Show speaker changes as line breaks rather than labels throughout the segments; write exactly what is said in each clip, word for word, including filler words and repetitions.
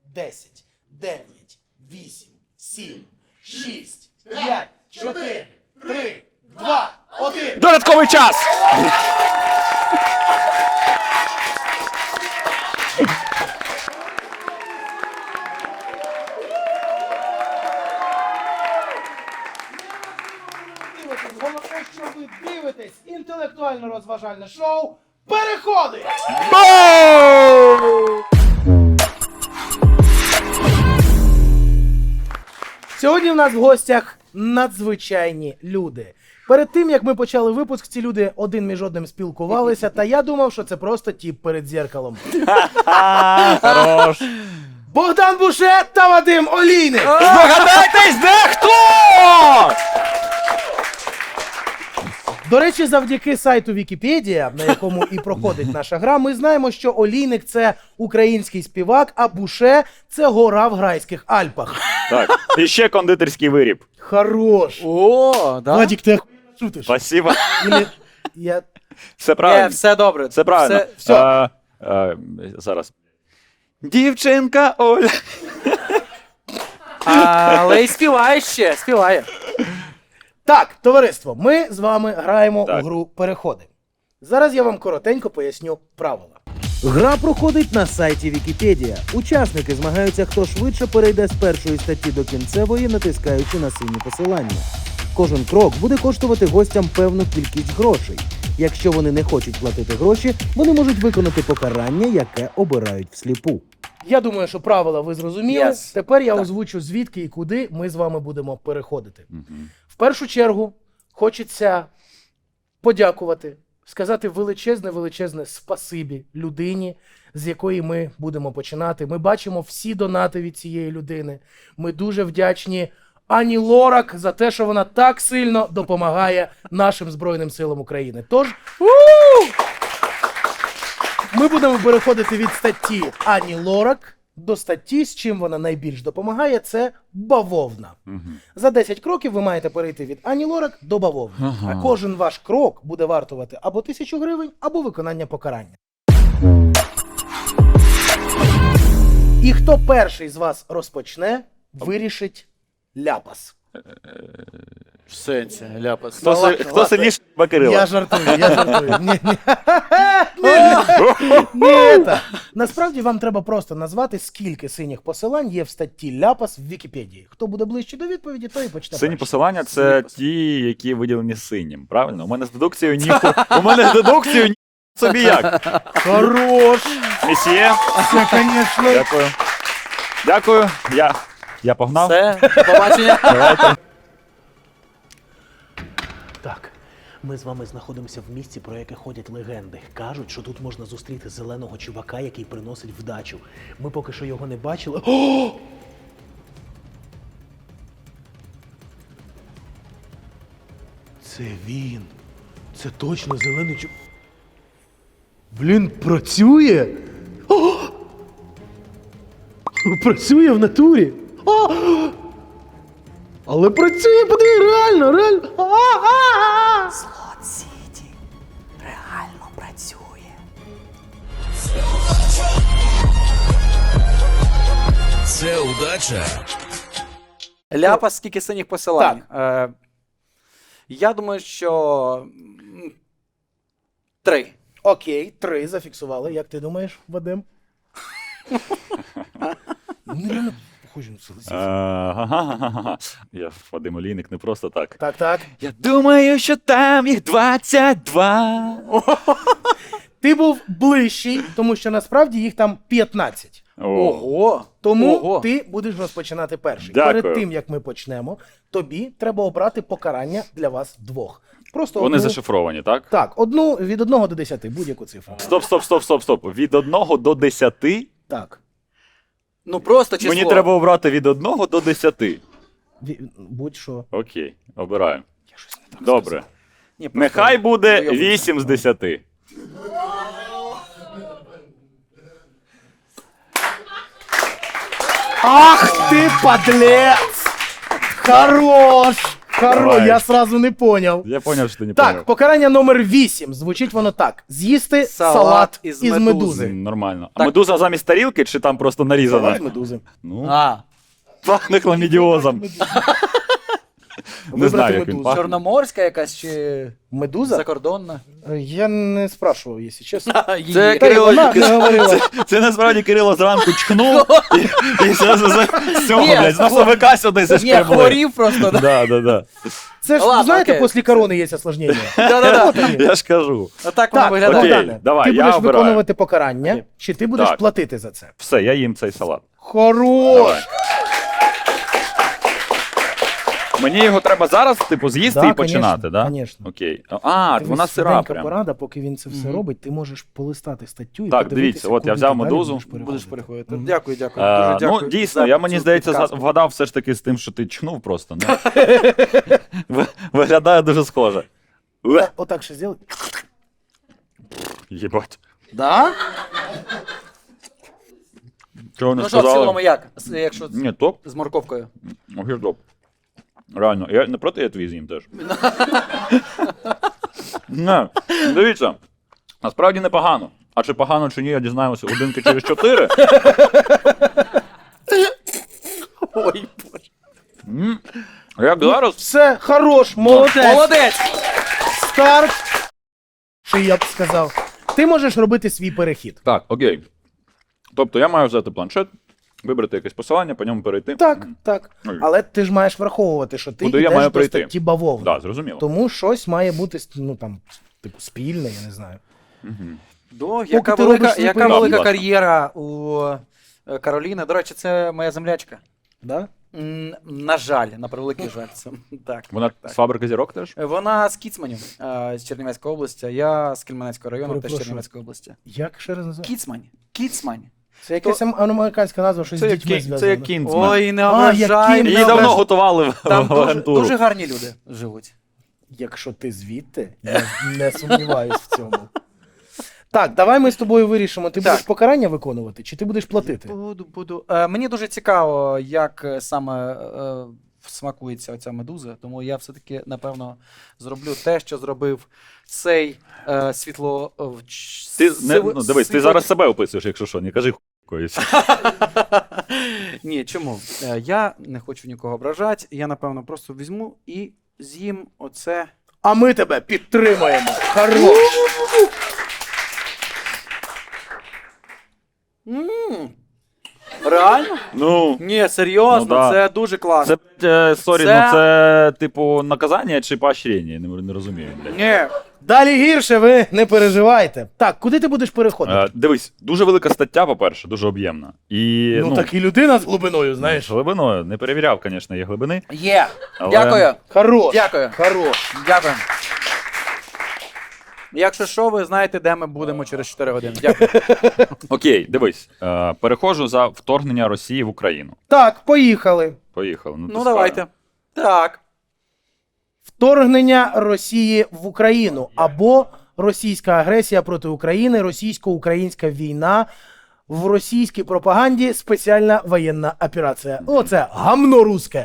десять, дев'ять, вісім, сім, шість, п'ять, чотири, три, два, один.
Додатковий час!
Головне, що ви дивитесь інтелектуально-розважальне шоу «Переходи».
Боу!
Сьогодні в нас в гостях надзвичайні люди. Перед тим, як ми почали випуск, ці люди один між одним спілкувалися, та я думав, що це просто тіп перед дзеркалом.
Хорош!
Богдан Буше та Вадим Олійник!
Здогадайтесь, де хто?
До речі, завдяки сайту Вікіпедія, на якому і проходить наша гра, ми знаємо, що Олійник – це український співак, а Буше – це гора в Грайських Альпах.
Так, і ще кондитерський виріб.
Хорош!
О, да?
Владик, ти охуєнно шутиш?
Спасибо.
Или... Я...
Все
Є,
правильно.
все добре.
Все правильно.
Все, все.
А, а, зараз. Дівчинка Оля.
Але й співає ще, співає.
Так, товариство, ми з вами граємо
Так.
у гру «Переходи». Зараз я вам коротенько поясню правила. Гра проходить на сайті Вікіпедія. Учасники змагаються, хто швидше перейде з першої статті до кінцевої, натискаючи на сині посилання. Кожен крок буде коштувати гостям певну кількість грошей. Якщо вони не хочуть платити гроші, вони можуть виконати покарання, яке обирають всліпу. Я думаю, що правила ви зрозуміли.
Yes.
Тепер я
Так.
озвучу, звідки і куди ми з вами будемо переходити. В першу чергу хочеться подякувати, сказати величезне-величезне спасибі людині, з якої ми будемо починати. Ми бачимо всі донати від цієї людини. Ми дуже вдячні Ані Лорак за те, що вона так сильно допомагає нашим Збройним силам України. Тож, ми будемо переходити від статті Ані Лорак до статті, з чим вона найбільш допомагає, це бавовна. За десять кроків ви маєте перейти від Ані Лорак до бавовни.
Ага.
А кожен ваш крок буде вартувати або тисячу гривень, або виконання покарання. І хто перший з вас розпочне, вирішить ляпас.
В сенсі, ляпас.
Хто,
Ну,
си-
ладно,
хто
ладно.
сильніше Бакирила?
Я жартую, я жартую. Ні, ні. Ні, це. Насправді вам треба просто назвати, скільки синіх посилань є в статті ляпас в Вікіпедії. Хто буде ближче до відповіді, той і почне
Сині
перший.
посилання – це ті, які виділені синім, правильно? У мене з дедукцією ніху... У мене з дедукцією ні... собі як.
Хорош!
Месьє,
Це, звісно.
дякую. Дякую, я, я погнав.
Все, до побачення.
Давайте.
Так, ми з вами знаходимося в місці, про яке ходять легенди. Кажуть, що тут можна зустріти зеленого чувака, який приносить вдачу. Ми поки що його не бачили. О! Це він. Це точно зелений чувак. Блін, працює? О! Працює в натурі. О! Але працює, подиви, реально, реально. А-а-а!
Слот Сіті реально працює.
Це удача.
Ляпас, скільки синіх посилань. Е, я думаю, що... м, Три.
Окей, три зафіксували. Як ти думаєш, Вадим? Вони реально похожі на селезів.
Ага. Я Вадим Олійник не просто так.
Так, так.
Я думаю, що там їх двадцять два.
Ти був ближчий, тому що насправді їх там п'ятнадцять.
Ого.
Тому
Ого.
ти будеш розпочинати перший.
Дякую.
Перед тим, як ми почнемо, тобі треба обрати покарання для вас двох. Просто
Вони
одну...
зашифровані, так?
Так, одну від одного до десяти, будь-яку цифру.
Стоп, стоп, стоп, стоп, стоп. Від одного до десяти?
Так.
Ну просто число.
Мені треба обрати від одного до десяти.
Ві- Будь-що.
Окей, обираю.
Я щось не так
Добре.
сказав.
Ні, просто-
Нехай буде
Уявно.
вісім з десяти.
Ах ти, подлец! Хорош! Хоро,
Давай.
я сразу не поняв.
Я поняв, що ти не
Так,
поняв.
покарання номер вісім. Звучить воно так: з'їсти
Салат
салат,
із
із,
медузи.
медузи.
Нормально. А
Так.
медуза замість тарілки чи там просто нарізана?
Салат медузи.
Ну,
А,
пахне хламідіозом. Не
Вибрати
знаю, як він
медузу.
пахне.
чорноморська якась чи
Медуза?
закордонна?
Я не спрашував, якщо чесно.
Її.
Це
Та й
Кирило,
вона не говорила.
це, це насправді Кирило зранку чхнув і, і зразу з з цього,
Ні,
блядь, з носовика сюди
Ні,
зашкребли.
хворів просто, да?
Да, да, да.
Це ж,
Ладно,
знаєте,
окей.
після корони є осложнення.
Да-да-да.
Я ж кажу.
Отак воно
Так,
виглядає.
окей.
Богдане,
давай,
ти
я
будеш
обираю.
виконувати покарання,
Окей.
чи ти будеш
Так.
платити за це?
Все, я їм цей салат.
Хорош!
Давай. Мені його треба зараз, типу, з'їсти
Да,
і починати,
конечно,
да?
конечно.
Окей. А,
Дивись,
вона сира
швиденька
прям.
порада, поки він це все
Мгм.
робить, ти можеш полистати статтю і
Так,
подивитися,
дивіться, от я
куди
взяв
ти далі
медузу.
будеш
Будеш
переходити.
переходити.
Мгм.
Дякую, дякую.
Е,
Дуже
ну,
дякую.
дійсно,
за
я мені
цю
здається, за-
підказку.
вгадав все ж таки з тим, що ти чхнув просто. Ну. Ви- Виглядає дуже схоже. Уе.
Та, Отак ще зробити.
Єбать.
Да?
Чого не
Ну що, в
сказали?
цілому як? С- Якщо з-
Ні, топ.
з морковкою.
Окей, топ. Реально, я не проти, я твій з'їм теж. Не, дивіться, насправді непогано. А чи погано, чи ні, я дізнаємося годинки через чотири.
Ой, боже.
М, Як зараз?
Все, хорош, молодець.
Молодець!
Старт. Що я б сказав. Ти можеш робити свій перехід.
Так, окей. Тобто я маю взяти планшет, вибрати якесь посилання, по ньому перейти.
Так, так.
Ой.
Але ти ж маєш враховувати, що ти
Куди я
йдеш
маю
до
прийти?
статті бавовни.
Так, зрозуміло.
Тому щось має бути, ну там, типу, спільне, я не знаю.
До, яка
ти
велика,
робиш свій
яка
перехід.
велика
Будь ласка.
кар'єра у е, Кароліни. До речі, це моя землячка.
Да?
М, На жаль, на превеликий жаль. Це, так.
Вона з фабрики зірок теж?
Вона з Кіцманів, е, з Чернівецької області, а я з Кельменецького району, теж
Перепрошую.
Чернівецької області.
Як ще раз називається?
Кіцмань. Кіцмань.
Це якась ам- американська назва, щось
Це
з
як,
дітьми
кі-
зв'язано.
це як кінцмен.
Ой, не
А, як
ображай.
кін-
не
Її давно
ображай.
готували в,
Там
в
дуже,
агентуру.
дуже гарні люди живуть.
Якщо ти звідти, я не сумніваюсь в цьому. Так, давай ми з тобою вирішимо, ти
Так.
будеш покарання виконувати, чи ти будеш платити?
Буду, буду. Е, мені дуже цікаво, як е, саме е, смакується оця медуза, тому я все-таки, напевно, зроблю те, що зробив цей е, світло... е, в- ч-
Ти, не,
сиво-
ну, дивись, ти
світло-
зараз себе описуєш, якщо що, не кажи хуйкоюсь.
Ні, чому? Е, я не хочу нікого ображати, я, напевно, просто візьму і з'їм оце...
А ми тебе підтримаємо. Хорош.
М, Реально?
Ну,
Ні, серйозно,
Ну да.
це дуже класно.
це, е, сорі,
Це-
ну це, типу, наказання чи поощрення? Я не, не розумію, блядь.
Ні,
Далі гірше, ви не переживайте. Так, куди ти будеш переходити?
Е, дивись, дуже велика стаття, по-перше, дуже об'ємна. І,
ну, так і людина з глибиною, знаєш.
Глибиною, не перевіряв, звісно, є глибини.
є.
Але-
Дякую.
Хорош.
Дякую.
Хорош.
Дякую. Якщо що, ви знаєте, де ми будемо через чотири години. Дякую.
Окей, дивись, е, переходжу за вторгнення Росії в Україну.
Так, поїхали.
Поїхали.
Ну,
тискаю.
давайте. Так.
Вторгнення Росії в Україну або російська агресія проти України, російсько-українська війна, в російській пропаганді спеціальна воєнна операція. Оце гамно руське.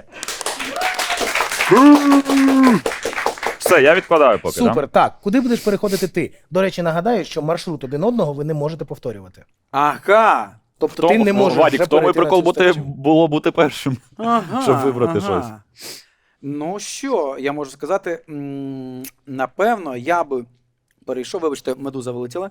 Все, я відкладаю поки.
Супер.
Да?
Так, куди будеш переходити ти? До речі, нагадаю, що маршрут один одного ви не можете повторювати.
Ага.
Тобто ти не можеш
Владік,
вже
в тому і
перейти на
прикол
цю
бути,
статтю.
було бути першим.
Ага.
Щоб вибрати
ага.
щось.
Ну що, я можу сказати, м, напевно, я би перейшов, вибачте, медуза вилетіла.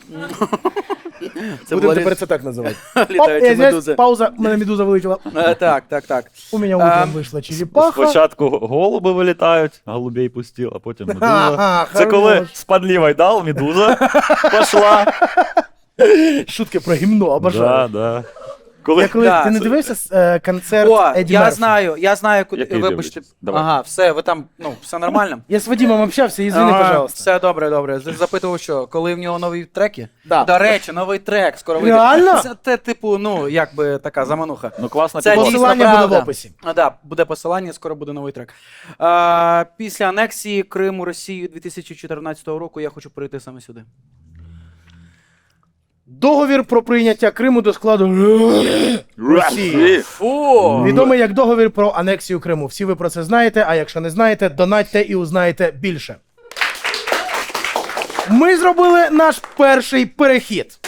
Це
Будемо
була
тепер
лі-
це так називати.
літаюча
Оп, я здесь,
медуза.
пауза, у мене медуза вилетіла.
Е, Так, так, так.
У мене утром
Ем,
вийшла черепаха.
Спочатку голуби вилітають, голубей пустів, а потім медуза.
Ага,
Це коли
хорош.
спадливий дал, медуза пошла.
Шутки про гімно, обожаю.
Да, да. Коли...
Я коли
Да,
ти не
це-
дивився е, концерт
О,
Еді
я
Мерфі?
знаю, я знаю, куди.
Який
Вибачте.
дивлюсь? Давай.
Ага, все, ви там, ну, все нормально.
Я з Вадимом общався, извини,
Ага,
пожалуйста.
Все добре, добре. З- Запитував, що, коли в нього нові треки?
Да.
До речі, новий трек скоро вийде.
Реально?
Це те, типу, ну, якби така замануха.
Ну класно
Це
підбор.
дійсно
Посилання буде в
правда.
описі.
А, да, буде посилання, скоро буде новий трек. А, після анексії Криму Росією дві тисячі чотирнадцятого року я хочу перейти саме сюди.
Договір про прийняття Криму до складу Росії.
Фу!
Відомий як договір про анексію Криму. Всі ви про це знаєте, а якщо не знаєте, донатьте і узнаєте більше. Ми зробили наш перший перехід.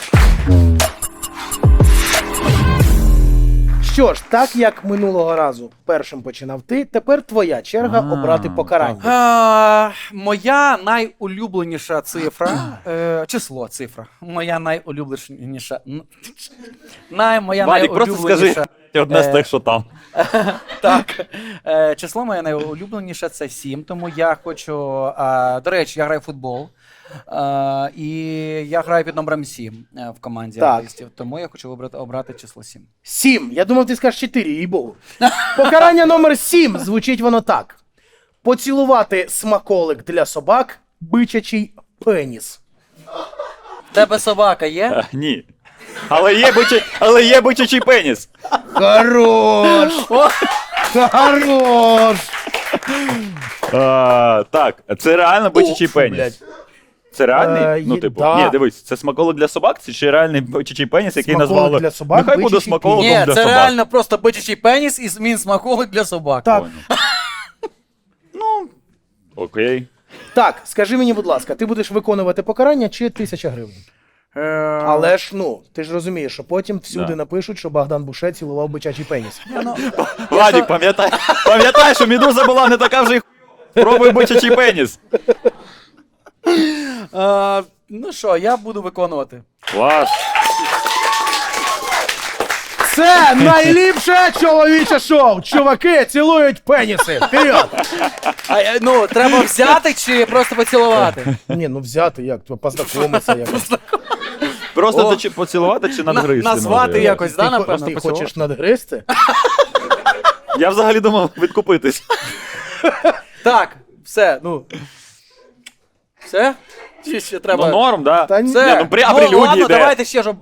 Що ж, так як минулого разу першим починав ти, тепер твоя черга
А,
обрати покарання.
А, моя найулюбленіша цифра, е, число цифра, моя найулюбленіша, н- най, моя
Вадик, просто
найулюбленіша,
скажи одне з
Е,
тих, що там.
так, е, число моє найулюбленіше це сім, тому я хочу, е, до речі, я граю в футбол, е, і я граю під номером сім е, в команді
Так.
артистів, тому я хочу вибрати, обрати число сім.
Сім. Я думав, ти скажеш чотири, їй богу. Покарання номер сім. Звучить воно так. Поцілувати смаколик для собак, бичачий пеніс.
Тебе собака є?
Е, Ні. Але є бичий, але є бичачий пеніс.
Хорош! Хорош!
А, так, це реально бичачий
Уф,
пеніс.
блядь.
Це реальний?
Е,
ну,
є-
типу,
да.
ні, дивись, це смаколик для собак, це чи реальний бичачий пеніс, який
Смаколик
назвали.
для собак,
Нехай буде
бичачий
смаколиком
Ні,
для
це
собак.
реально просто бичачий пеніс і змін смаколик для собак.
Так.
Понял. Ну, окей.
Так, скажи мені, будь ласка, ти будеш виконувати покарання чи тисяча гривень?
Е,
Але ж, ну, ти ж розумієш, що потім всюди
Да.
напишуть, що Богдан Буше цілував бичачий пеніс.
Владик, пам'ятай, пам'ятай, що Медуза була не така вже й ху- Пробуй бичачий пеніс.
е, ну що, я буду виконувати.
Клас.
Це найліпше чоловіче шоу! Чуваки цілують пеніси! Вперед!
А, е, ну, треба взяти чи просто поцілувати?
Ні, ну взяти як, познайомитися якось.
Просто
О.
дочі- поцілувати чи надгризти?
назвати
може?
якось, да,
Ти, хо-
напевно,
ти
поцілувати?
хочеш надгризти?
Я взагалі думав відкупитись.
Так, все, ну. Все? Чи ще треба?
Ну норм, да.
Та ні.
Все.
Ні, ну, при- а
ну,
прелюдії
ладно,
де?
давайте ще, щоб...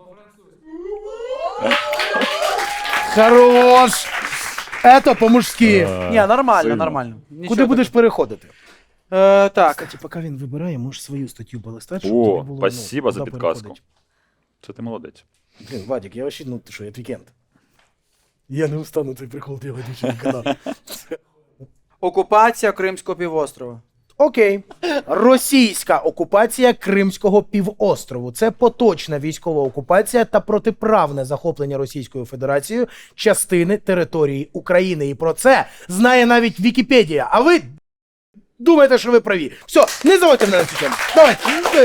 Хорош! Ето по-мужськи.
Ні, нормально,
сильно.
нормально. Нічого
Куди будеш переходити?
такого. Е, так.
Кстати, поки він вибирає, можеш свою статтю полистати, щоб тобі
О,
було,
спасибо
ну,
за
куди
підказку.
переходити.
Це ти молодець.
Блін, Вадик, я вообще, ну ти що, я твікенд. Я не устану цей прикол делать більше ніколи.
Окупація Кримського півострова.
Окей. Російська окупація Кримського півострову. Це поточна військова окупація та протиправне захоплення Російською Федерацією частини території України. І про це знає навіть Вікіпедія. А ви думаєте, що ви праві. Все, не заводьте мене на цю тему. Давайте.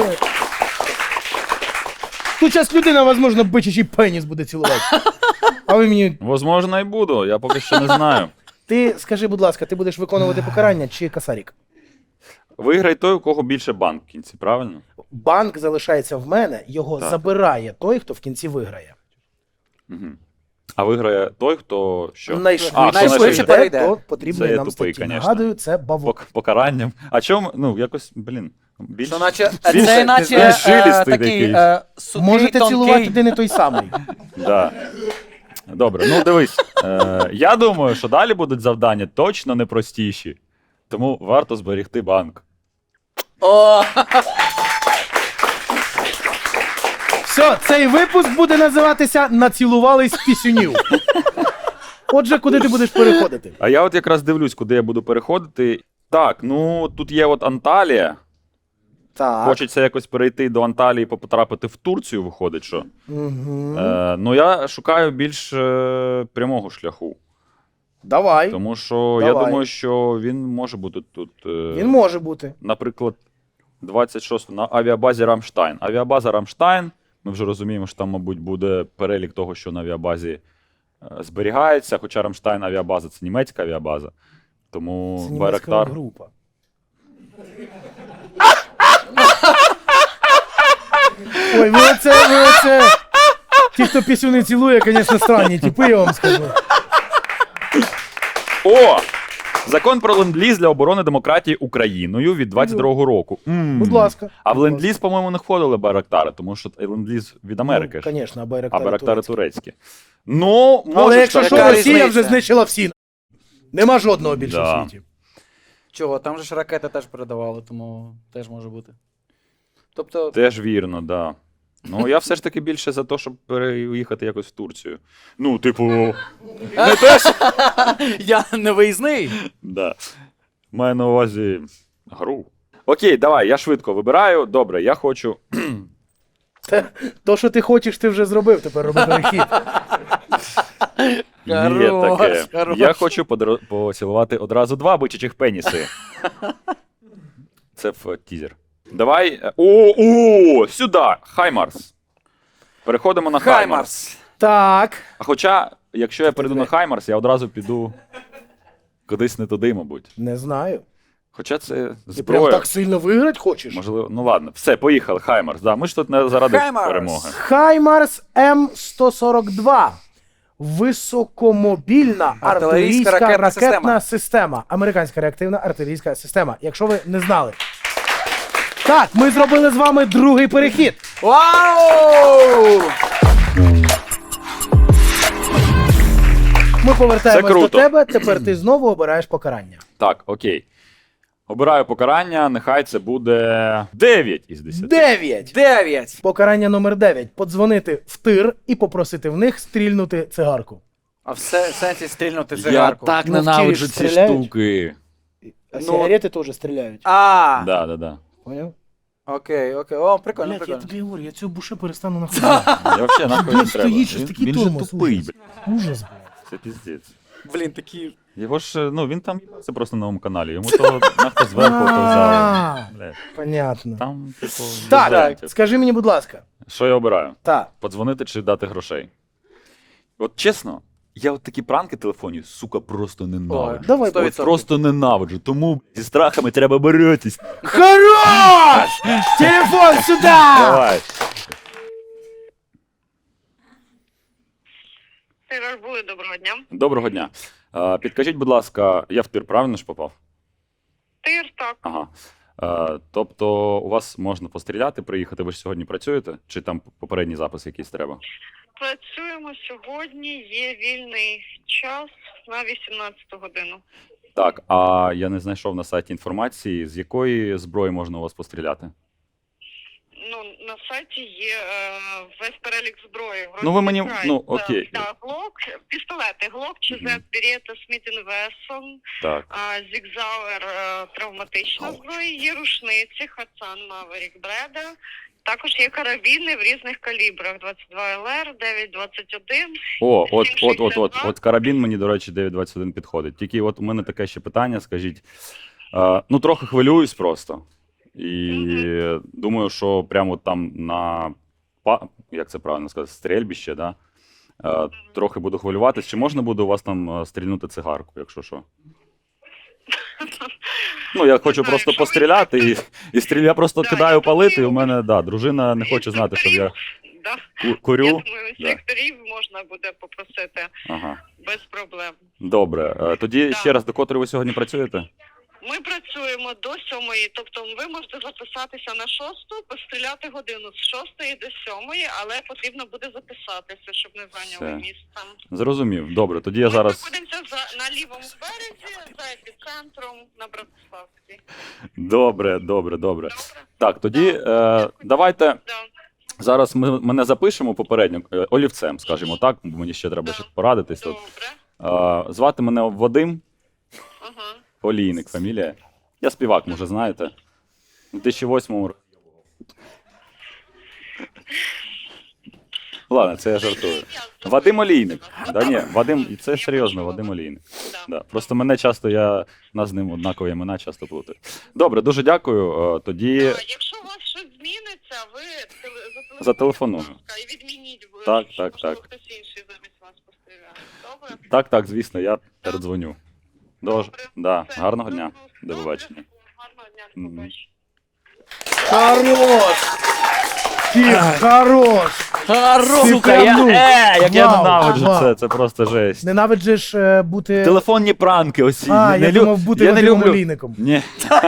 Тут зараз людина, можливо, бичачий пеніс буде цілувати. А ви мені...
Возможно, і буду, я поки що не знаю.
Ти скажи, будь ласка, ти будеш виконувати покарання чи касарік?
Виграй той, у кого більше банк в кінці, правильно?
Банк залишається в мене, його
Так.
забирає той, хто в кінці виграє.
Угу. А виграє той, хто що?
Найшвидше,
А, хто
найшвидше
найшвидше те,
перейде.
хто потрібний
Це я
нам
тупий,
статті.
конечно.
Нагадую, це бавок.
Пок- покаранням. А чому, ну, якось, блін, більше.
Що наче,
Більше,
це
ти
наче
знаєш,
е,
жилістий
такий
якийсь.
е, сухий,
Можете
тонкий.
цілувати один і той самий.
Да. Добре, ну дивись. Е, я думаю, що далі будуть завдання точно не простіші. Тому варто зберігти банк.
О,
Все, цей випуск буде називатися «Націлувались пісюнів». Отже, куди ти будеш переходити?
А я от якраз дивлюсь, куди я буду переходити. Так, ну тут є от Анталія.
Так.
Хочеться якось перейти до Анталії, потрапити в Турцію, виходить, що.
Угу.
Е, ну я шукаю більш е, прямого шляху.
Давай.
Тому що
Давай.
я думаю, що він може бути тут. Е,
Він може бути.
Наприклад, двадцять шостого на авіабазі Рамштайн. Авіабаза Рамштайн. Ми вже розуміємо, що там, мабуть, буде перелік того, що на авіабазі е, зберігається. Хоча Рамштайн авіабаза це німецька авіабаза. Тому
Це німецька
Байрактар.
група. Ой, ви оце, ви оце. Ті, хто пісюни цілує, звісно, странні типи, я вам скажу.
О! Закон про ленд-ліз для оборони демократії Україною від двадцять другого року. М.
Будь ласка.
А в
Будь
ленд-ліз, по-моєму, не входили Байрактари, тому що ленд-ліз від Америки
Ну,
ж.
звісно, а
А
Байрактари
Байрактари
турецькі.
турецькі. Ну, може.
Але якщо
так
що,
яка
бути.
Росія вже
різниця?
знищила всі. Нема жодного більше
Да.
в світі.
чого, там же ж ракети теж передавали, тому теж може бути. Тобто,
Теж вірно, да. Ну, я все ж таки більше за те, щоб переїхати якось в Турцію. Ну, типу, не те, що...
Я не виїзний.
Да. Маю на увазі гру. Окей, давай, я швидко вибираю. Добре, я хочу.
Те, то, що ти хочеш, ти вже зробив, тепер роби перехід.
Є
Хорош,
таке.
хорош.
Я хочу подро- поцілувати одразу два бичачих пеніси. Це в тізер. Давай. е, О, о, сюди! Хаймарс. Переходимо на Хаймарс.
Хаймарс.
Так.
А хоча, якщо я перейду на Хаймарс, я одразу піду кудись не туди, мабуть.
Не знаю.
Хоча це
Ти прям
зброя.
так сильно виграти хочеш?
Можливо, ну ладно, все, поїхали, Хаймарс. Да, ми ж тут не заради
Хаймарс.
перемоги.
Хаймарс М сто сорок два. Високомобільна
Артилерійська
артилерійська
ракетна
ракетна,
система.
система. Американська реактивна артилерійська система. Якщо ви не знали. Так, ми зробили з вами другий перехід.
Вау!
Ми повертаємось
Це
до
круто.
тебе. Тепер ти знову обираєш покарання.
Так, окей. Обираю покарання, нехай це буде дев'ять із десяти.
Дев'ять.
Дев'ять.
Покарання номер дев'ять. Подзвонити в тир і попросити в них стрільнути цигарку.
А все в сенсі стрільнути
Я
цигарку.
так
Ну,
ненавиджу
в ті
ці
ж стріляють.
штуки.
А
Ну,
сигарети теж стріляють.
А,
Да, да, да.
Поняв?
окей, окей. О, прикольно,
Блядь, я
прикольно.
тобі говорю, я цю буше перестану находити.
Я взагалі нахуй не
Блядь,
треба.
стоїть щось
Він,
такий
він же
тормоз.
тупий,
ужас.
блядь.
Ужас, блядь.
Це піздець.
Блін, такі.
Його ж, ну, він там це просто на новому каналі. Йому то нахто зверху то взяли.
А,
Блядь.
Понятно.
Там, типу,
Так,
варіантів.
скажи мені, будь ласка.
Що я обираю?
Так.
Подзвонити чи дати грошей? От чесно, я от такі пранки телефонів, сука, просто ненавиджу.
Давай,
сто
От
відсотків.
просто ненавиджу. Тому зі страхами треба боротись.
Хорош! Телефон сюди!
Давай.
Тираж були, доброго дня.
Доброго дня. А, підкажіть, будь ласка, я в тир правильно ж попав?
Тир, так.
Ага. А, тобто у вас можна постріляти, приїхати, ви ж сьогодні працюєте? Чи там попередній запис якийсь треба?
Працюємо сьогодні, є вільний час на вісімнадцяту годину.
Так, а я не знайшов на сайті інформації, з якої зброї можна у вас постріляти?
Ну, на сайті є е, весь перелік зброї.
Ну, ви мені-
Розбирай.
ну,
Так,
окей.
Так, глок, пістолети, глок, ЧЗ, Берета, Сміт енд Вессон,
Так.
Зігзауер, е, травматична зброя, є рушниці, Хацан, Маверік, Бреда. Також є карабіни в різних калібрах, двадцять два ел ер, дев'ять двадцять один.
О, от,
сім
от, от, от,
шістдесят два.
от карабін мені, до речі, дев'ять двадцять один підходить. Тільки от у мене таке ще питання, скажіть. Е, ну, трохи хвилююсь просто. І думаю, що прямо там на, па- як це правильно сказати, стрельбище, да? Е, трохи буду хвилюватись. Чи можна буде у вас там е, стрільнути цигарку, якщо що? Ну, я хочу
знаю,
просто
якщо ви
постріляти, і, і стріля, я просто
Да,
кидаю
я
палити, і у
думаю,
мене, да, дружина не хоче знати, що я
Да.
ку- курю.
Я думаю,
Да.
секторів можна буде попросити
Ага.
без проблем.
Добре. Е, Тоді
Да.
ще раз, до котрої ви сьогодні працюєте?
Ми працюємо до сьомої, тобто ви можете записатися на шосту, постріляти годину з шостої до сьомої, але потрібно буде записатися, щоб не зайняли
Все.
місце.
Зрозумів. Добре, тоді я
Ми
зараз.
знаходимося за, на лівому березі, за епіцентром на Братиславській.
Добре, добре, добре.
Добре?
Так, тоді
Да.
е, давайте
Да.
зараз ми мене запишемо попередньо е, олівцем, скажімо так, бо мені ще треба
Да.
ще порадитись тут.
Добре.
Е, звати мене Вадим
Ага.
Олійник, фамілія. Я співак, може, знаєте. У дві тисячі восьмому році. Ладно, це я жартую. Вадим Олійник. Да ні, Вадим, і це серйозно, Вадим Олійник.
Да.
Да. Просто мене часто, я нас з ним однакові імена часто плутаю. Добре, дуже дякую. Е, Тоді
А, Якщо у вас щось зміниться, ви теле-
Зателефоную.
будь ласка, і відмініть, бо
Так,
щоб,
так,
можливо,
так.
хтось інший замість вас постріляє. Добре?
так, так, звісно, я передзвоню. Дуже,
Добре.
да,
Все.
гарного дня. До
Добре.
побачення.
Гарного дня, до
Мгм.
побачення.
Хорош! Ти хорош!
Хорош!
Ти
Сука, я,
прям, ну,
е, як я
вау,
ненавиджу
вау.
це, це просто жесть.
Ненавиджиш е, бути...
Телефонні пранки оці.
А,
не,
я
не лю-
думав бути
я не
Вадимом
люблю.
Олійником.
Ні.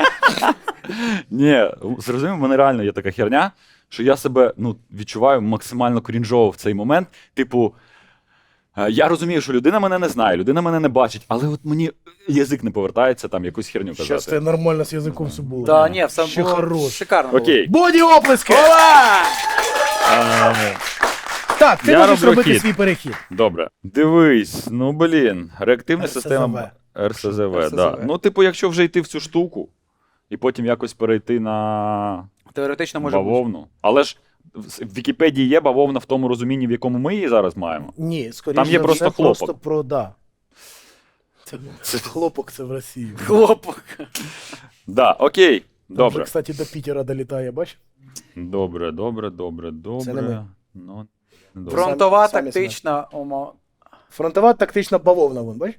Ні, зрозумів, в мене реально є така херня, що я себе ну, відчуваю максимально крінжово в цей момент. Типу, е, я розумію, що людина мене не знає, людина мене не бачить, але от мені язик не повертається там якусь херню
Щас
казати.
це нормально з язиком все було.
Да, ні, все
Ще
було
хорош.
шикарно. було.
Окей.
Боді оплески!
Ова!
Е,
Так, ти
Я
можеш
роблю
робити
хід.
свій перехід.
Добре. Дивись, ну блін, реактивна
РСЗВ.
система РСЗВ,
РСЗВ.
да. Ну, типу, якщо вже йти в цю штуку і потім якось перейти на
Теоретично може бути.
бавовну. Але ж в в Вікіпедії є бавовна в тому розумінні, в якому ми її зараз маємо.
Ні, скоріше
Там є
за
просто
все,
хлопок.
просто про да. Це, це хлопок, це в Росії.
Хлопок.
Да, окей.
Там вже,
Добре.
кстати, до Пітера долітає, бач?
Добре, добре, добре, добре.
не ми.
Ну, добре.
Фронтова
Самі- самі
тактична умова.
Фронтова тактична бавовна, вон, бач?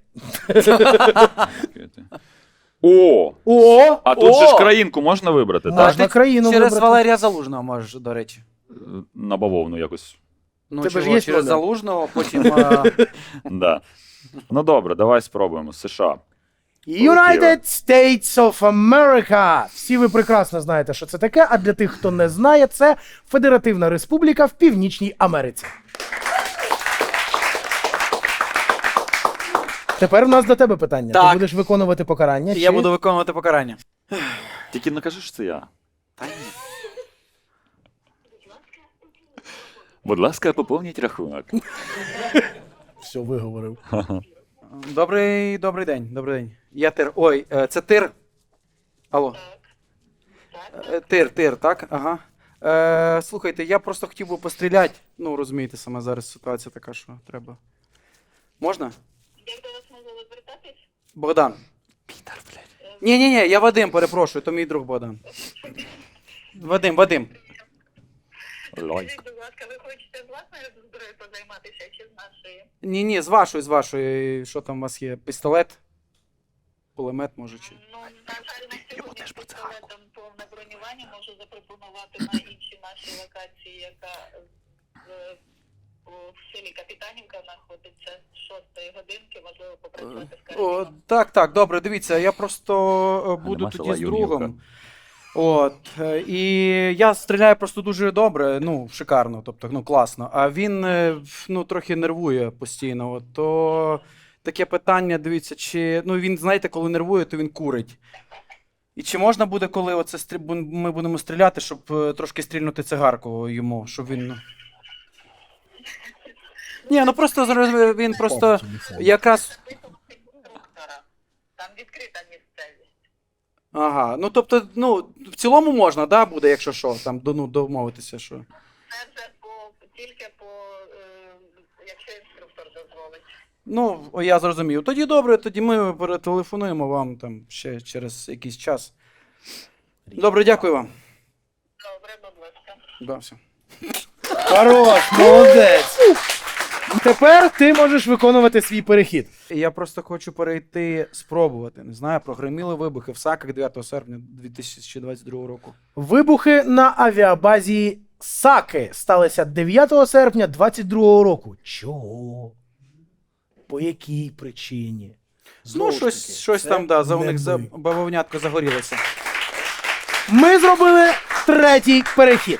О!
О!
А тут
О!
же ж країнку можна вибрати,
Можна
так?
ти
країну
Через
вибрати.
Валерія Залужного можеш, до речі.
На бавовну якось.
Ну,
Тебе ж
чого,
є
через
номер?
Залужного, потім. е,
Да. Ну добре, давай спробуємо. США.
United States of America. Всі ви прекрасно знаєте, що це таке, а для тих, хто не знає, це Федеративна Республіка в Північній Америці. Тепер в нас до тебе питання.
Так.
Ти будеш виконувати покарання?
Я
чи-
буду виконувати покарання.
Тільки не кажи, що це я.
Та ні.
Будь ласка, поповніть рахунок.
Все, виговорив.
Добрий, добрий день, добрий день. Я тир. Ой, е, це тир. Алло. Е, Тир, тир, так? Ага. Е, слухайте, я просто хотів би постріляти. Ну, розумієте, саме зараз ситуація така, що треба. Можна?
Як до вас можу звертатись?
Богдан.
Пітер, блядь.
Ні, ні, ні, я Вадим, перепрошую, то мій друг Богдан. Вадим, Вадим.
Лайк.
Скажіть, будь ласка, ви хочете з власною зброєю позайматися чи з нашої?
Ні, ні, з вашої, з вашої. Що там у вас є? Пістолет? Кулемет, може, чи?
Ну, на жаль, на сьогодні з пістолетом повне бронювання можу запропонувати на іншій нашій локації, яка в, в селі Капітанівка знаходиться з шостої годинки, можливо, попрацювати з
О,
карабіном.
так, так, добре, дивіться, я просто е, буду
нема
тоді
села
з
Юр'ївка?
другом. От, е, і я стріляю просто дуже добре, ну, шикарно, тобто, ну, класно. А він, е, ну, трохи нервує постійно. От, то таке питання, дивіться, чи, ну, він, знаєте, коли нервує, то він курить. І чи можна буде, коли оце стрі... бу- ми будемо стріляти, щоб е, трошки стрільнути цигарку йому, щоб він. ну- Ні, ну просто зараз він просто якраз.
Там відкрита місцевість.
Ага, ну тобто, ну, в цілому можна, да, буде, якщо що, там, до- ну, домовитися, що.
Це вже по, тільки по, е, якщо інструктор дозволить.
Ну, о, я зрозумів. Тоді добре, тоді ми перетелефонуємо вам там ще через якийсь час. Добре, дякую вам.
Добре, будь ласка.
Да, все.
Хорош, молодець. Тепер ти можеш виконувати свій перехід.
Я просто хочу перейти, спробувати. Не знаю, прогреміли вибухи в Саках дев'ятого серпня дві тисячі двадцять другого року.
Вибухи на авіабазі Саки сталися дев'ятого серпня двадцять другого року. Чого? По якій причині? Знову
Ну,
ж
щось,
таки,
щось
це
там, да, за у
не
них за
ми.
бавовнятко загорілося.
Ми зробили третій перехід.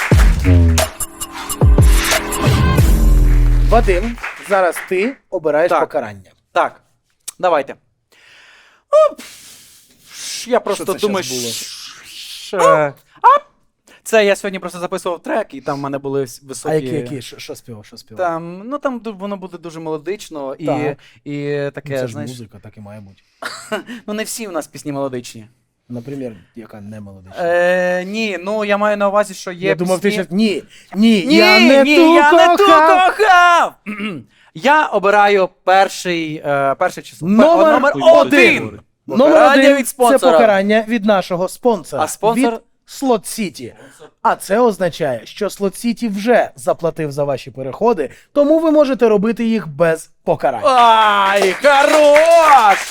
Вадим, зараз ти обираєш
Так.
покарання.
Так, давайте. Оп. Ш, Я просто
це
думаю,
щас було?
ш- ш- а! Це я сьогодні просто записував трек, і там в мене були вс- високі.
А які, які? Що, що співав? Що співав?
Там, ну там ду- воно буде дуже мелодично і,
Так.
і
Ну,
таке,
це ж
знаєш.
музика, так і має бути.
Ну не всі у нас пісні мелодичні.
Наприклад, яка не мелодична.
Е, ні, ну я маю на увазі, що є.
Я думав, ти
пісні...
ще... Ні, ні,
Ні,
я не
ні,
ту
я не ту
кохав.
кохав! Я обираю перший, е, перше число.
Номер
Пе- номер
один.
один.
Номер
Покарання
один
від
це
спонсора.
покарання від нашого спонсора.
А спонсор?
Від Slot City. А це означає, що Slot City вже заплатив за ваші переходи, тому ви можете робити їх без покарань.
Ай, хорош!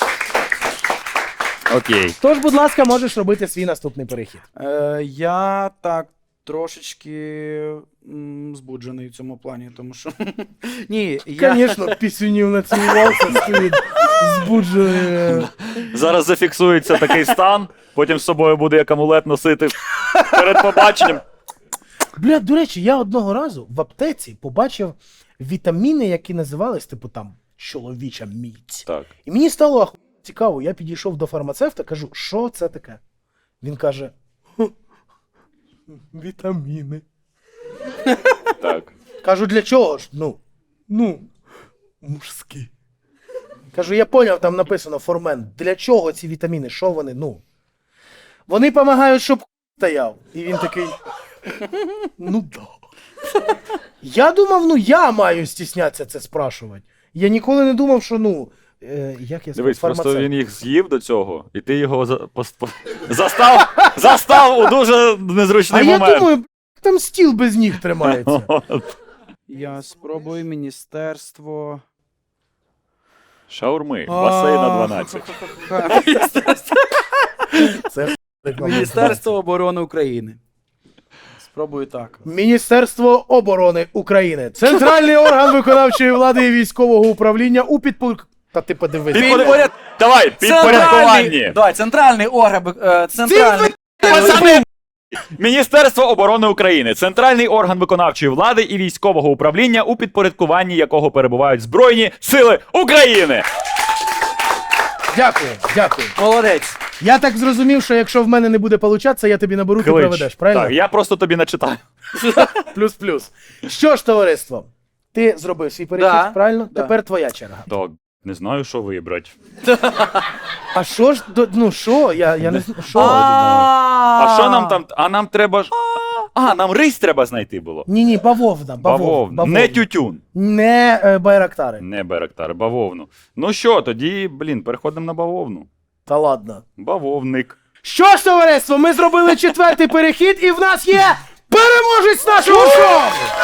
Окей.
Тож, будь ласка, можеш робити свій наступний перехід.
Е, я так трошечки м, збуджений в цьому плані, тому що. Ні, я.
Звісно, пісюнів націлувався, стоїть збуджений.
Зараз зафіксується такий стан, потім з собою буде як амулет носити перед побаченням.
Бля, до речі, я одного разу в аптеці побачив вітаміни, які називались, типу там, чоловіча міць.
Так.
І мені стало аху... цікаво, я підійшов до фармацевта, кажу, що це таке? Він каже, «Хм, вітаміни.
Так.
Кажу, для чого ж? Ну, ну, мужські. Кажу, я поняв, там написано формент. Для чого ці вітаміни? Що вони? Ну. Вони допомагають, щоб стояв. І він такий. Ну да. Я думав, ну я маю стіснятися це спрашувати. Я ніколи не думав, що ну. Е, як я сказав,
Дивись, просто
фармацевт.
він їх з'їв до цього, і ти його за... пос- по- застав, застав у дуже незручний
А я
момент.
думаю, там стіл без ніг тримається.
Я спробую міністерство.
Шаурми, басейн на дванадцять.
Це
Міністерство оборони України. Спробую так.
Міністерство оборони України. Центральний орган виконавчої влади і військового управління у підпорядку... Та ти подивись.
Підпоряд... Давай,
Центральний,
підпорядкуванні.
давай, центральний орган, е, центральний,
Пацани! Міністерство оборони України, центральний орган виконавчої влади і військового управління, у підпорядкуванні якого перебувають Збройні Сили України.
Дякую, дякую.
молодець.
Я так зрозумів, що якщо в мене не буде получатися, я тобі наберу, ти
Клич.
проведеш, правильно?
Так, я просто тобі начитаю.
Плюс-плюс. Що ж, товариство, ти зробив свій перехід,
Да,
правильно?
да.
Тепер твоя черга.
Так, не знаю, що вибрати.
А що ж, до- ну що, я, я не знаю, що?
А що нам там? А нам треба ж. А, нам рись треба знайти було.
Ні-ні, бавовна, бавовна.
Бавовна. Не тютюн.
Не е, байрактари.
Не Байрактар, бавовну. Ну що, тоді, блін, переходимо на бавовну.
Та ладно.
Бавовник.
Що ж, товариство, ми зробили четвертий перехід, і в нас є переможець нашого шоу!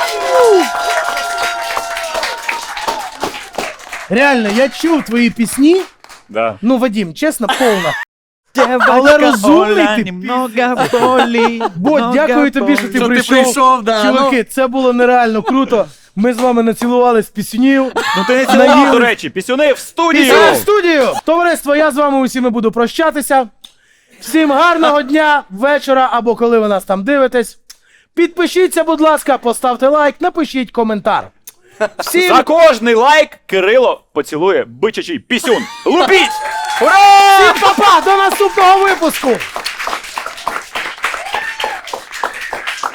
Реально, я чув твої пісні.
Да.
Ну, Вадим, чесно, повна. Але розумний ти пі- Бо, дякую тобі, що ти
Що ти
прийшов.
прийшов, да,
Чуваки, це було нереально круто. Ми з вами націлувались піснів.
Ну ти не
Наїли.
цілував, до речі, пісюни в студію!
Після в студію! Товариство, я з вами усіми буду прощатися. Всім гарного дня, вечора або коли ви нас там дивитесь. Підпишіться, будь ласка, поставте лайк, напишіть коментар. Всім
За кожний лайк Кирило поцілує бичачий пісюн. Лупіть! Ура!
па-па, до наступного випуску!